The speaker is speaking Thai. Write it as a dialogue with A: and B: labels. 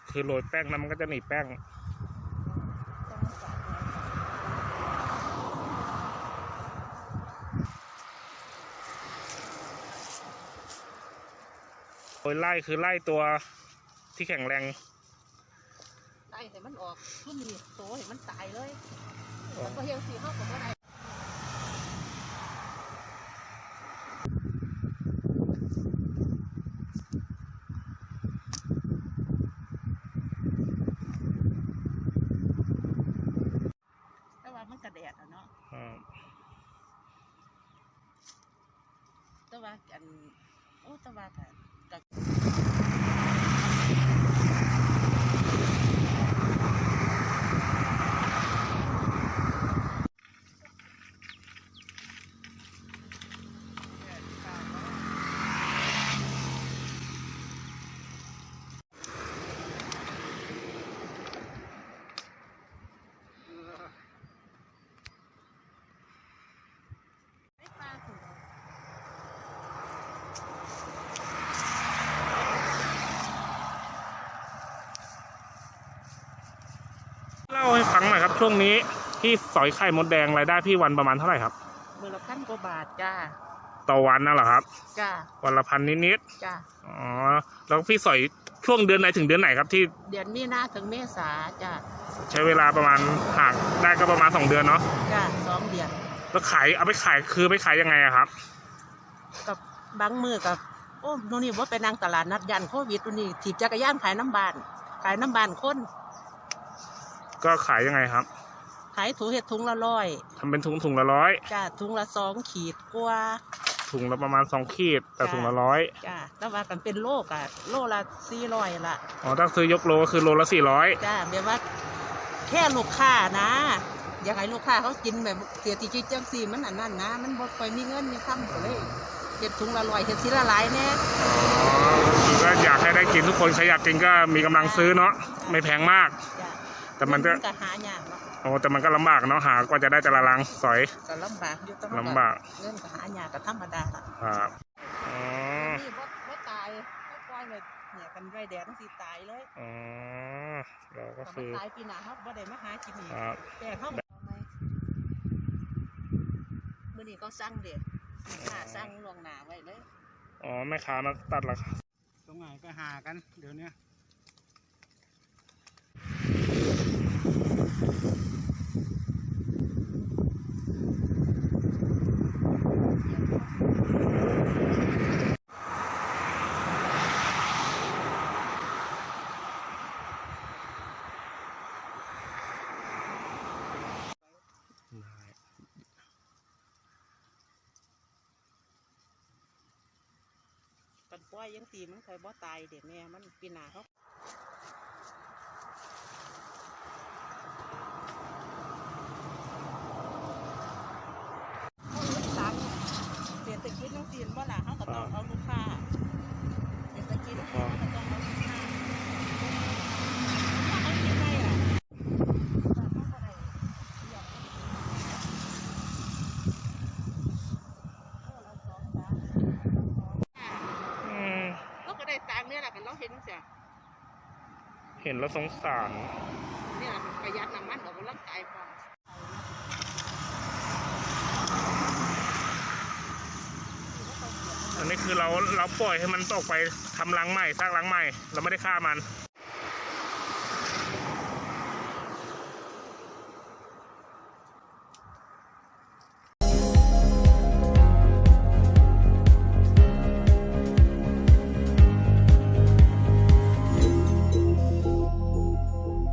A: คือโรยแป้งแล้วมันก็จะหนีแป้งโรยไล่คือไล่ตัวที่แข็งแรง
B: ไล่ให้มันออกรุ่นนี้โตให้มันตายเลยแล้วก็เฮียงสีเข้ากับว่าไงแต่ว่ามันกระแดดอ่ะเนาะแต่ว่ากันโอ้แต่ว่ากัน
A: เล่าให้ฟังหน่อยครับช่วงนี้พี่สอยไข่มดแดงรายได้พี่วันประมาณเท่าไหร่ครับ
B: มือละ1,000 กว่าบาทจ้า
A: ต่อวันน่ะเหรอครับ
B: จ้า
A: วันละ1,000นิด
B: จ้า
A: อ๋อแล้วพี่สอยช่วงเดือนไหนถึงเดือนไหนครับที่
B: เดือนมีนาถึงเมษาจ้า
A: ใช้เวลาประมาณหากได้ก็ประมาณ2 เดือนเนาะ
B: จ้า2 เดือน
A: แล้วขายเอาไปขายคือไปขายยังไงอะครับ
B: กับบางมือกับโอ้โน่นนี่ว่าไปนั่งตลาดนัดยันโควิดตัวนี้ถีบจักรยานขายน้ำบานคน
A: ก็ขายยังไงครับ
B: ขายถุงเห็ดถุงละ100
A: ทำเป็นถุงละ100
B: จ้าถุงละ2 ขีดกว่า
A: ถุงละประมาณ2 ขีดแต่ถุงละ100
B: จ้าแต่ว่ากันเป็นโลกอะโลละ400ละ
A: อ๋อถ้าซื้อยกโลก็คือโลละ400
B: จ้าแบบว่าแค่ลูกค้านะอยากให้ลูกค้าเขากินแบบเสียทีจิตจังสีมันอันนั้นนะมันบ่ค่อยมีเงินมีคำเลยเห็ดถุงละ100เห็ดสีละหลายแน่
A: อ๋อคือก็อยากให้ได้กินทุกคนใครอยากกินก็มีกำลังซื้อเนาะไม่แพงมากแต่มันก็
B: หายากเนาะ
A: โอ้แต่มันก็ลำบากเนาะหากว่าจะได้แต่ละลังสอย
B: ก็ลำบากอยู่ต้อง
A: ลำบาก
B: เงินก็หายากก็ธรรมดาละ
A: ครับอ๋อ
B: นี่บ่ตายบ่ปล่อยเลยเนี่ยกันไรแดดต้องสิตายเลย
A: อ๋อเราก็คือ
B: ตายปีหน้าเขาบ่ได้มาหากินอีกแต่เขามื้อนี้ก็สั่งเด็ดสั่งล่วงหน้าไว้เลย
A: อ๋อแม่ค้ามาตัดราคา
C: ตรงไหนก็หากันเดี๋ยวนี้
B: กันปล่อยยังตีมันเคยบ่ตายเด็กแม่มันปีหน้าเขาเศรษฐกิจต้องจีนบ่ล่ะเขาก็ต้องเอาลูกค้าเศรษฐกิจเขาก็ต้องเอาลูกค้าเขาคิดไงล่ะเขาก็ได้ตังค์เนี่ยแหละกันเราเห็นเสีย
A: เห็นแล้วสงสาร
B: เนี่ยประหยัดน้ำมันออกกำลังกายพอ
A: อันนี้คือเราปล่อยให้มันออกไปทำรังใหม่สร้างรังใหม่เราไม่ได้ฆ่ามัน